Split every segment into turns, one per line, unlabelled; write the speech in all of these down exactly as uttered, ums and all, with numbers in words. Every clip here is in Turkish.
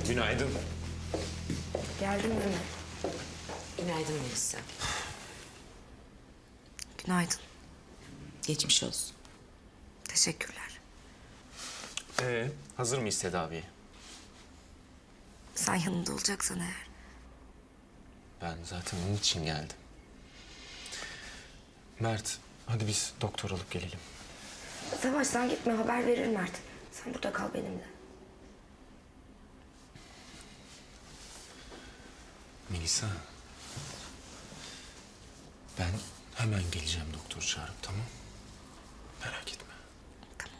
Günaydın.
Geldin mi?
Günaydın Melisa.
Günaydın.
Geçmiş olsun.
Teşekkürler.
Ee, hazır mıyız tedaviye?
Sen yanında olacaksan eğer.
Ben zaten onun için geldim. Mert, hadi biz doktor alıp gelelim.
Savaş sen gitme, haber verir Mert. Sen burada kal benimle.
Melisa. Ben hemen geleceğim doktor çağırıp, tamam? Merak etme.
Tamam.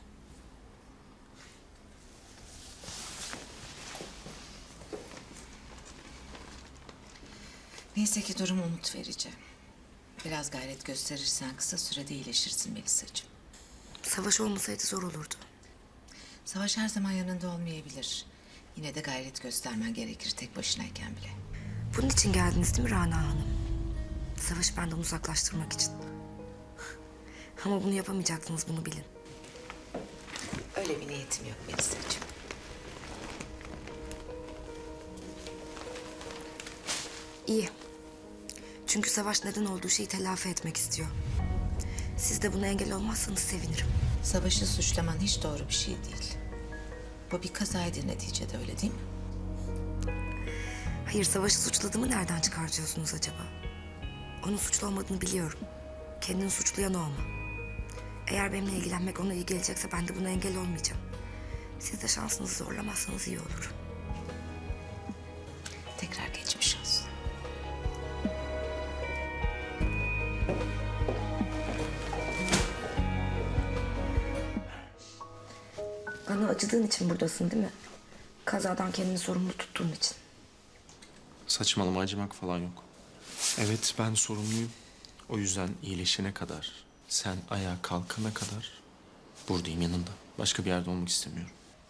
Neyse ki durum umut verici. Biraz gayret gösterirsen kısa sürede iyileşirsin Melisa'cığım.
Savaş olmasaydı zor olurdu.
Savaş her zaman yanında olmayabilir. Yine de gayret göstermen gerekir tek başınayken bile.
Bunun için geldiniz değil mi Rana Hanım? Savaşı benden uzaklaştırmak için. Ama bunu yapamayacaksınız, bunu bilin.
Öyle bir niyetim yok Melisa'cığım.
İyi. Çünkü Savaş neden olduğu şeyi telafi etmek istiyor. Siz de buna engel olmazsanız sevinirim.
Savaşı suçlaman hiç doğru bir şey değil. Bu bir kazaydı neticede, öyle değil mi?
Hayır, Savaş'ı suçladığımı nereden çıkartıyorsunuz acaba? Onun suçlu olmadığını biliyorum. Kendini suçlayan olma. Eğer benimle ilgilenmek ona iyi gelecekse ben de buna engel olmayacağım. Siz de şansınızı zorlamazsanız iyi olur.
Tekrar geçmiş olsun.
Bana acıdığın için buradasın değil mi? Kazadan kendini sorumlu tuttuğun için.
Saçmalama, acımak falan yok. Evet, ben sorumluyum. O yüzden iyileşene kadar, sen ayağa kalkana kadar buradayım, yanında. Başka bir yerde olmak istemiyorum.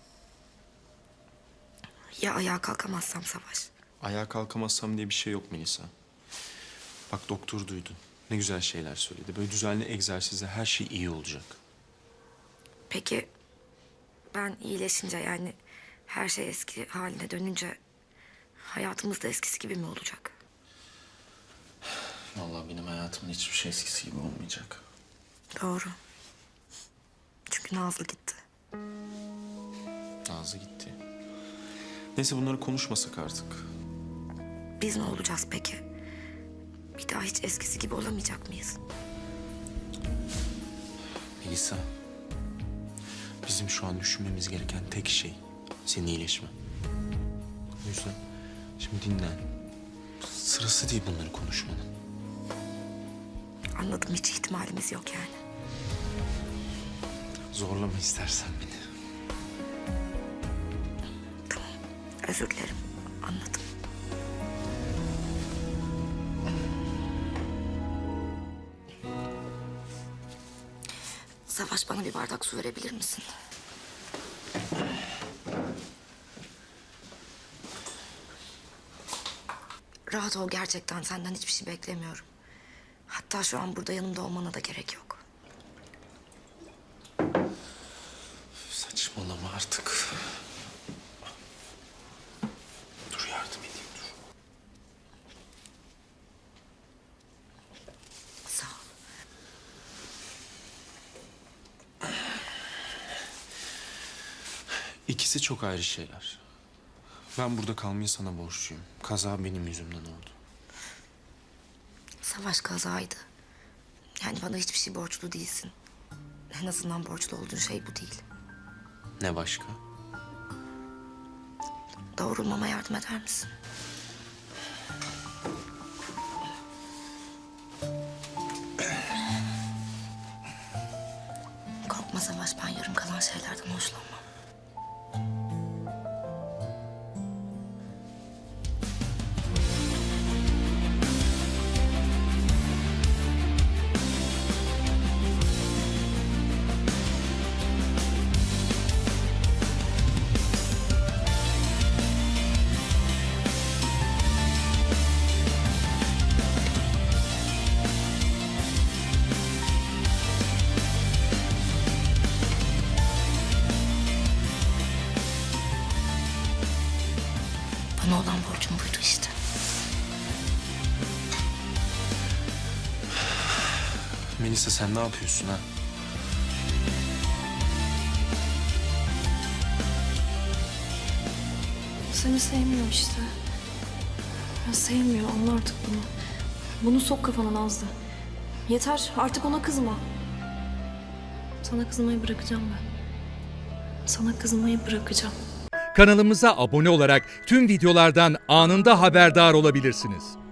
Ya ayağa kalkamazsam Savaş?
Ayağa kalkamazsam diye bir şey yok Melisa. Bak, doktor duydu. Ne güzel şeyler söyledi. Böyle düzenli egzersizle her şey iyi olacak.
Peki ben iyileşince, yani her şey eski haline dönünce hayatımız da eskisi gibi mi olacak?
Vallahi benim hayatımın hiçbir şey eskisi gibi olmayacak.
Doğru. Çünkü Nazlı gitti.
Nazlı gitti. Neyse, bunları konuşmasak artık.
Biz ne olacağız peki? Bir daha hiç eskisi gibi olamayacak mıyız?
Melisa, bizim şu an düşünmemiz gereken tek şey senin iyileşmen. O yüzden şimdi dinlen. Sırası değil bunları konuşmanın.
Anladım, hiç ihtimalimiz yok yani.
Zorlama istersen beni.
Tamam, özür dilerim. Anladım. Savaş, bana bir bardak su verebilir misin? Rahat ol, gerçekten senden hiçbir şey beklemiyorum. Hatta şu an burada yanımda olmana da gerek yok.
Saçmalama artık. Dur, yardım edeyim, dur.
Sağ ol.
İkisi çok ayrı şeyler. Ben burada kalmayı sana borçluyum. Kaza benim yüzümden oldu.
Savaş kazaydı. Yani bana hiçbir şey borçlu değilsin. En azından borçlu olduğun şey bu değil.
Ne başka?
Doğrulmama yardım eder misin? Korkma Savaş, ben yarım kalan şeylerden hoşlanmam. Bana olan borcum buydu işte.
Melisa sen ne yapıyorsun ha?
Seni sevmiyor işte. Ya sevmiyor, anla artık bunu. Bunu sok kafana Nazlı. Yeter, artık ona kızma. Sana kızmayı bırakacağım ben. Sana kızmayı bırakacağım.
Kanalımıza abone olarak tüm videolardan anında haberdar olabilirsiniz.